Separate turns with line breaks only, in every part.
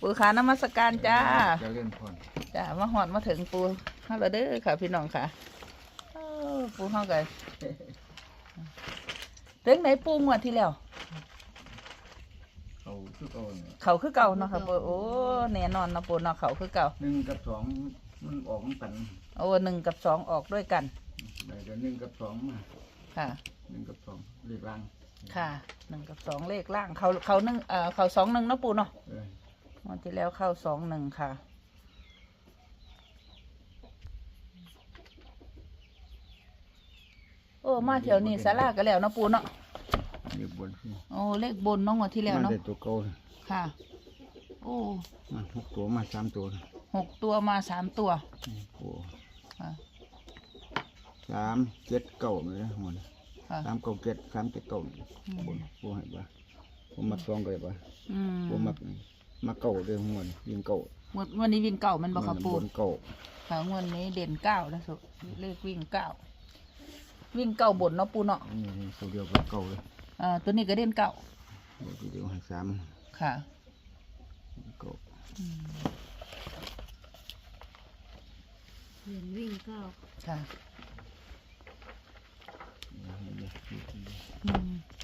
ปูขานมัสการจ้า
จะเล่นพร
จ้ามาหอดมาถึงปูเฮาแล้วเด้อค่ะพี่น้องค่ะปูเฮากันเรื่องไหนปูงวดที่แล้ว
เขาคือเก่าเนี่ย
เขาคือเก่าเนาะค่ะปูโอ้แน่นอนเนาะปูเนาะเขาคือเก่า
1 กับ 2มันออกกัน
โอ้1 กับ 2ออกด้วยกัน
ได้แต่1 กับ 2มา
ค่ะ
1 กับ 2เลขล่าง
ค่ะ1 กับ 2เลขล่างเขา1เขา2 1เนาะปูเนาะงวดที่แล้วเข้า2 1ค่ะโอ้มาเที่ยวนี้ศาลาก็แล้วเนาะปูเนาะ
เลขบนสิ
โอ้เลขบนเน้องงวดที่แล้ว
มัน
เนาะ
ได้ตัวเก่า
ค่ะโอ้
มา6 ตัวมา3 ตัว
6 ตัวมา3 ตัว
โอ้
ค่ะ
3 7 9เลยนะหมด
ค่ะ
3 9 7 3 7 9บนปูให้บ่ผมมัก2ก็ได้บ่
อืม
ผมมักเก่าเด้อหมดยิงเก่าง
วดนี้วิ่งเก่ามันบ่ครับปู
บนเก่า
ค่ะงวดนี้เด่น9แล้วสุเลขวิ่ง9วิ่งเก่าบนเนาะปูเนาะ
นี่ตัวเดียวกับเก่าเลย
ตัวนี้ก็เด่น9
ตัวเดียวให้3
ค่ะ
เก่า
เรียนวิ่งเก้า
ค่ะ
นี่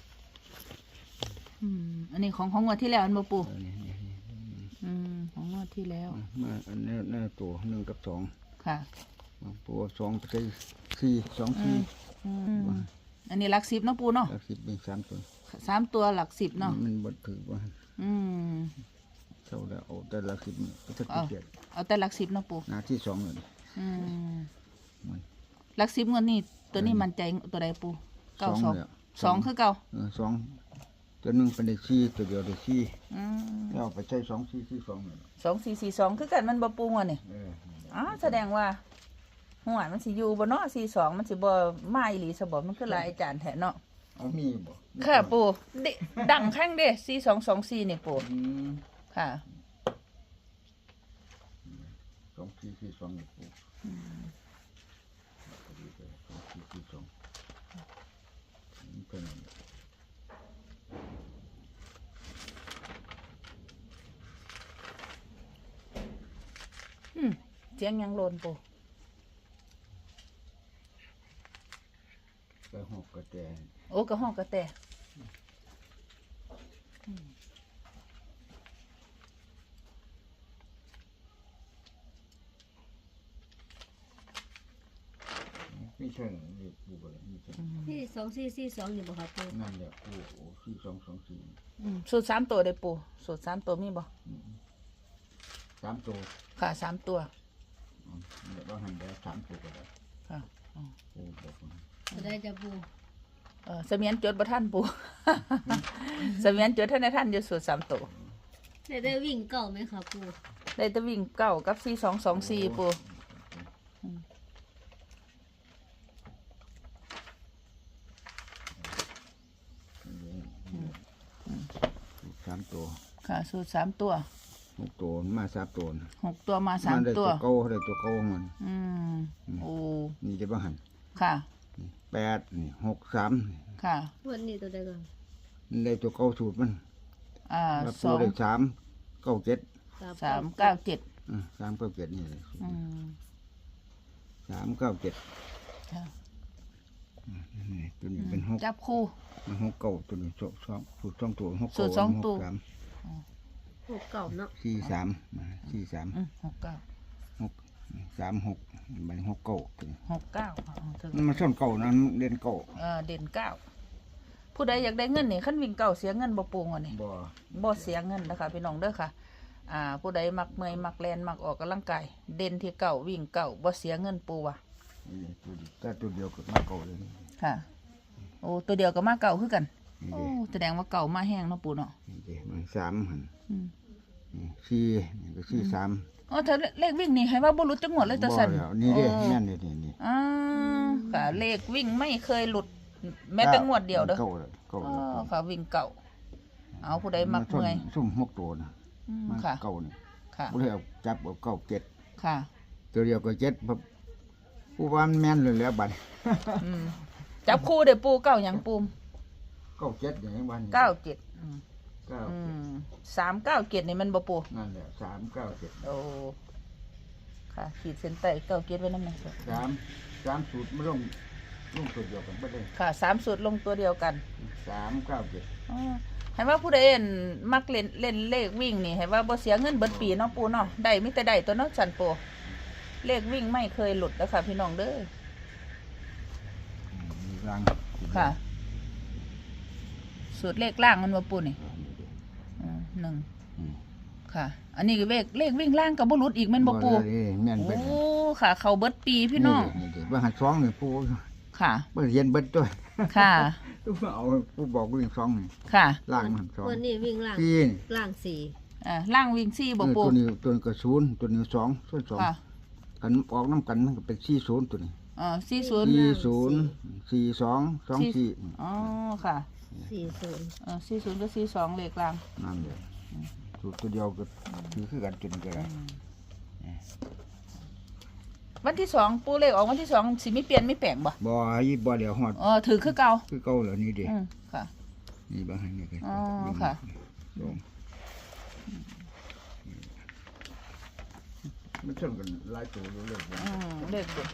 อันนี้ของงวดที่แล้วอันบ่ปู
นี่
ของงวดที่แล้ว
มาอันนี้ตัว1 กับ 2
ค่ะ
ปู2ไป4 2 4
อันนี้หลัก10เนาะปูเนาะ
แล้ว10เป็น3ตัว
3 ตัวหลัก10เนาะ
มันบ่ถือว่า
อืม
เท่าแล้วเอาแต่ละ10นี่ก็จะเกียด
เอาแต่หลัก10เนาะปู
หน้าที่2เลย มัน
หลัก10งวดนี้ตัวนี้มั่นใจตัวใดปู
2แล้ว
2คือเก่า
2ตัวนึงเป็นได้4ตัวเดียวได้4แล้วไปใช้2 4 4 2นี่
2442คือกันมันบ่ปูงวดนี่แสดงว่าหัวมันสิอยู่บ่เนาะ42มันสิบ่มาอีหลีซะบ่มันคือหลายอาจารย์แท้เนาะ
เอามีบ่
ค่ะปูดังข้างเด้4224นี่ปูค่ะ
2 4 4 2นี่ปู2 4 4 2เป็น
เสียงยังโลนปู
กระหอกกระแต
โอ้กระห้องกระแต
ไม่ใช่นี่ปูบ่ได้ไม่ใช่
ที่2442นี่บ่ครับปู
นั่นแหละปูโอ้4 2 2 4
สูตร3 ตัวได้ปูสูตร3 ตัวมีบ่
3 ตัว
ค่ะ3 ตัว
เดี๋ยวว่าหันได้3 ตัวก็ได้
ค่ะ
ปูบอกว่า
จะได้จะปู
เสมียนจดบ่ทันปู เสมียนจดท่านในท่านอยู่สูตร3 ตัว
ได้วิ่งเก้าไหมครับปู
ได้แต่วิ่ง9กับ4224ปู
3 ตัว
ค่ะสูตร3 ตัว
6 ตัวมา3 ตัว
6 ตัวมา
มันได้
3 ตัว
ตัวเก่าได้ตัวเก่ามัน
โอ้
นี่จะบ่หัน
ค่ะ
8นี่6 3
ค่ะ
วันนี้ตัวใดก่อน
นี่ได้ตัวเก่าสูตรมันแล้วปูได้3 9 7
3 9 7
3 9 7นี่เลย3 9 7
ค่ะ
นี่ตัวนี้เป็น6
จับคู่
มัน6 9ตัวนี้2สูตร2ตัว6
สูตร2ตัว
หกเก่าเนาะ
4 3 4 3
6 9
3 6มัน6 9ตัวนี้
6 9
มันส้นเก่านะเรียนเก่า
เด่น9ผู้ใดอยากได้เงินนี่ขั้นวิ่งเก่าเสียเงินบ่ปูงวะนี่
บ่
บ่เสียเงินนะคะพี่น้องเด้อค่ะผู้ใดมักเมอยมักแลนมักออกกำลังกายเด่นที่เก่าวิ่งเก่าบ่เสียเงินปูว่ะ
นี่ตัวเดียวก็มาเก่าเลย
ค่ะโอ้ตัวเดียวก็มาเก่าคือกัน
นี่
โอ้
เด้
แสดงว่าเก่ามาแห้งเนาะปูเนาะ
นี่เด้มัน3หั่น
อืม
นี่4นี่ก็4 3
อ๋อถ้าเลขวิ่งนี่ให้ว่าบ่หลุดจังหวดเลยตาสั่น
บ่แล้วนี่เด้
โอ้
แม่นนี่นี่
ค่ะเลขวิ่งไม่เคยหลุดแม้แต่งวดเดียวเด้อ
เก่าเลยเก่า
อ๋
เล
อย ค่ะวิ่งเก่าเอาผู้ใดมักเมื่อย
ซุ่ม6ตัวนะมัน
ค่ะ
เก่านี่
ค่ะ
บ่ได้เอาจับเอาเก่า7
ค่ะ
ตัวเดียวก็7ผู้ว่ามันแม่นเลยแล้วบัด
จับคู่เด้อปูเก้าหยังปูม
เก่า7อย่างนี้วัน
97
แ
397นี่มันบ่ปู
นั่นแหละ397
โอ้ค่ะขีดเส้นใต้97ไว้นำหน่อย
3สูตรมันลงตัวเดียวกันบ่ได้
ค่ะ3สูตรลงตัวเดียวกัน
397
อ๋อให้ว่าผู้ใดเห็นมักเล่นเลขวิ่งนี่ให้ว่าบ่เสียเงินเบิดปีเนาะปูเนาะได้มีแต่ได้ตัวเนาะสันปูเลขวิ่งไม่เคยหลุดนะคะพี่น้องเด้อ
มีรัง
ค่ะ สูตรเลขล่างมันว่าปูนี่หนึ่งค่ะ อันนี้เลขวิ่งล่างกับบ่หลุดอีกแม่นบ่ปู
แม่นเบิด
โอ้ค่ะ เข้าเบิดปีพี่น้อง
นี่ว่าหัด2นี่ปู
ค่ะ
บ่เรียนเบิดตัว
ค่ะ
ตู้เอาปูบอกวิ่ง2นี่
ค่ะ
ล่างมัน
วัน
2
นี้วิ่งล่าง
4นี่
ล่างสี่
ล่างวิ่ง4บ่ปู
ตัวนี้ก็0ตัวนี้2ส่วน2
ค่ะ
กันออกน้ำกันมันก็เป็น40ตัวนี้
40
40 42 24
อ๋อค่ะ
40
40กับ42เลขล่าง
นั่นเลยสูตรตัวเดียวก็คือกันจนก็ได้
วันที่2ปูเลขออกวันที่2สิมีเปลี่ยนมีแปลงบ่
บ่เดี๋ยวฮอด
ถือคือเก่า
คือเก่าแล้วนี่เด้
ค่ะ
นี่บ่ให้นี่ก็
อ๋อค่ะ
มันชนกันหลายตัวเลย
เลขเด็ด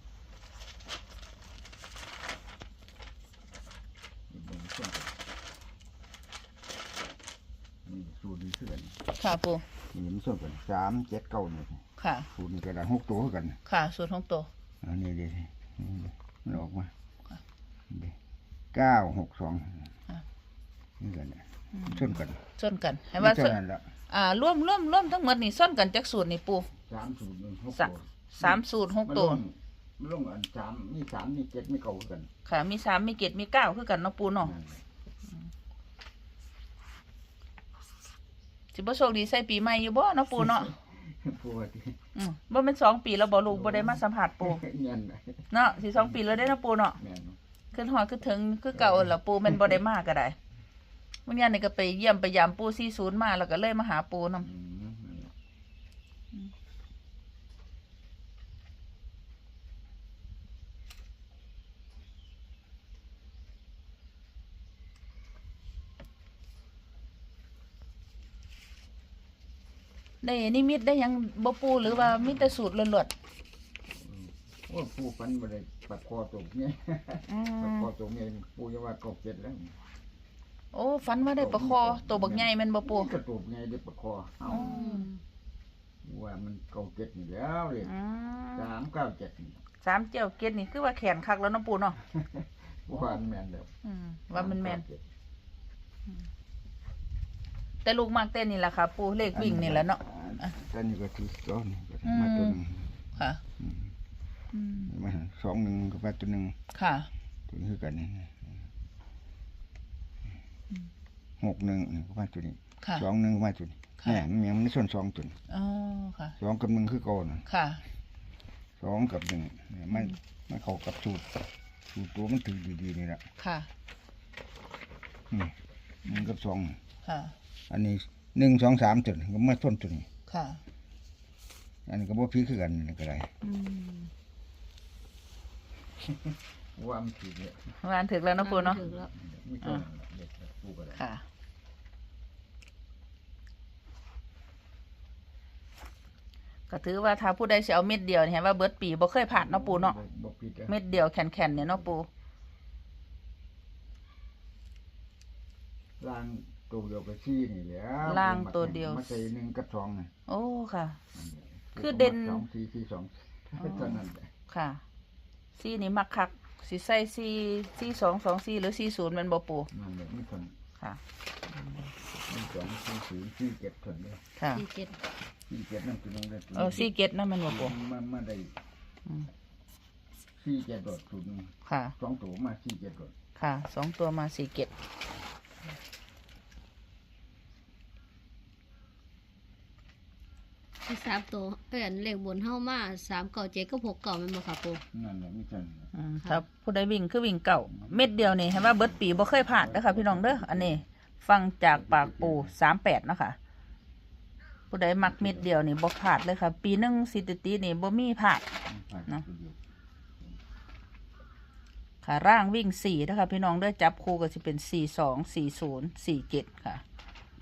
นี่สูตรนี้คือกัน
ค่ะปู
นี่มันชนกัน3 7 9นี่
ค่ะ
สูตรนี้ก็ได้6ตัวคือกัน
ค่ะสูตรของตัว
อันนี้เด้มันออกมา
ค่ะ
นี่9 6 2นี่กันชนกัน
ส้นกันให้ว่า
เท่านั้นละ
ร่วมทั้งหมดนี่ส้นกันจากสูตรนี่ปู
3สูตร1 6
สะ
ตัว
3สูตร6ตัว
มันลงอัน3มี3มี7มี9คือกัน
ค่ะมี3มี7มี9คือกันเนาะปูเนาะสิบ่โชคดีใส่ปีใหม่อยู่บ่เนาะปูเนาะ
ปูว่าที่
บ่แม่น2ปีแล้วบ่ลูกบ่ได้มาสัมผัสปู
เงิน
เนาะสิ2ปีแล้วได้เนาะปูเนาะ
แม่น
ขึ้นฮอดขึ้นถึงคือเก่าล่ะปูแม่นบ่ได้มาก็ได้มื้อนี้นี่ก็ไปเยี่ยมไปยามปู40มาแล้วก็เลยมาหาปูนำ ได้นิมิตได้หยังบ่ปูหรือว่ามีแต่สูตรล้วน
โอ้ปูฟันบ่ได้ปัดคอตกเนี่ย
ๆ
ปัดคอตกเนี่ยปูจะว่าก็7แล้ว
โอ้ฝันว่าได้ปลาคอตัวบักใหญ่แม่นบ่ปู
กระตูบไงได้ปัดคอเอ้าว่ามันก็7นี่แล้วเลย397
3เจียวเกล็ดนี่คือว่าแขนคักแล้วเนาะปูเนาะ
ว่าแม่นแล้ว
ว่ามันแม่นแต่ลูกมากเต้นนี่แหละค่ะปูเลขวิ่งนี่แหละเนาะ
แต่นี่ก็ที่2นี่ก็มาตัวนึง
ค่ะ
มา2 1ก็มาตัวนึง
ค่ะ
ตัวนี้คือกันนี่6 1นี่ก็มาตัวนี้
ค่ะ
2 1ก็มาตัวนี้แหมมันยังไม่ส่วน2ตัวนี้
อ๋อค่ะ
2กับ1คือเก่าน่ะ
ค่ะ
2กับ1เนี่ยมันเข้ากับสูตรตัวมันถือดีๆนี่แหละ
ค่ะ
1กับ2
ค่ะ
อันนี้1 2 3ตัวก็มาส่วนตัวนี้
ค่ะ
อันนี้ก็บ่พีคือกันนี่ก็ได้ว่ามันผิดเนี่ยว
านถึกแล้วเนาะปูเนาะ
ถึงแล้ว
มีตัวเด็กปูก็ได้
ค่ะ ก็ถือว่าถ้าผู้ใดสิเอาเม็ดเดียวนี่เห็นว่าเบิดปีบ่เคยผ่านเนาะปูเนาะ
บ่ผิด
เม็ดเดียวแข็งๆเนี่ยเนาะปู
ล่างตัวเดียวกับซี่นี่แหล้ว
ล่างตัวเดียว
มาใส่1กับ2นี่
โอ้ค่ะ คือเด่น
2 4 4 2เท่านั้นแหละ
ค่ะซี่นี่มักคักสิใส่ซี่224หรือ40แม่นบ่ปู
นั่นแหละมีคน
ค่ะ
มี2 4 0 4 7คนเลย
ค่ะ
47
4 7นั่นคือลงได้
47นำแม่นบ่ปู
มาได้4 7โดดสูตรนึง
ค่ะ
2ตัวมา4 7โดด
ค่ะ2ตัวมา47
ที่3ตัวเอ้ยอันเลขบนเฮามา397กับ69แม่นบ่ค่ะปู
นั่นแหละมีคน
ถ้าผู้ใดวิ่งคือวิ่งเก่าเม็ดเดียวนี่เห็นว่าเบิดปีบ่เคยผ่านเด้อค่ะพี่น้องเด้ออันนี้ฟังจากปากปู38นะคะผู้ใดมักเม็ดเดียวนี่บ่พลาดเลยค่ะ ปีหนึงสิตินี่บ่มีพลาด เนาะ ค่ะร่างวิ่ง4นะคะพี่น้องเด้อจับคู่ก็สิเป็น42 40 47ค่ะ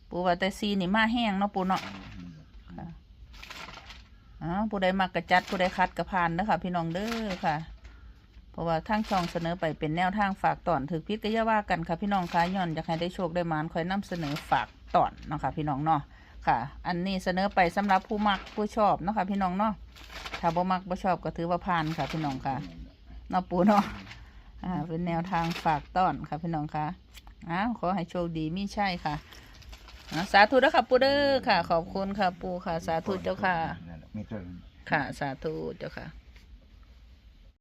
ปูว่าแต่ซีนี่มาแห้งเนาะปูเนาะค่ะผู้ใดมักกระจัดผู้ใดคัดกระพานนะคะพี่น้องเด้อค่ะ เพราะว่าทางช่องเสนอไปเป็นแนวทางฝากตอนถือพิษก็อย่าว่ากันค่ะพี่น้องค่ะย้อนอยากให้ได้โชคได้หมานคอยนำเสนอฝากตอนเนาะค่ะพี่น้องเนาะค่ะ อันนี้เสนอไปสำหรับผู้มักผู้ชอบเนาะค่ะพี่น้องเนาะถ้าบ่มักบ่ชอบก็ถือว่าผ่านค่ะพี่น้องค่ะเนาะปูเนาะเป็นแนวทางฝากตอนค่ะพี่น้องค่ะขอให้โชคดีมีใช่ค่ะสาธุเด้อค่ะปูเด้อค่ะ ขอบคุณค่ะปูค่ะ สาธุเจ้าค่ะ
ไม่เท่า
ค่ะ สาธุเจ้าค่ะ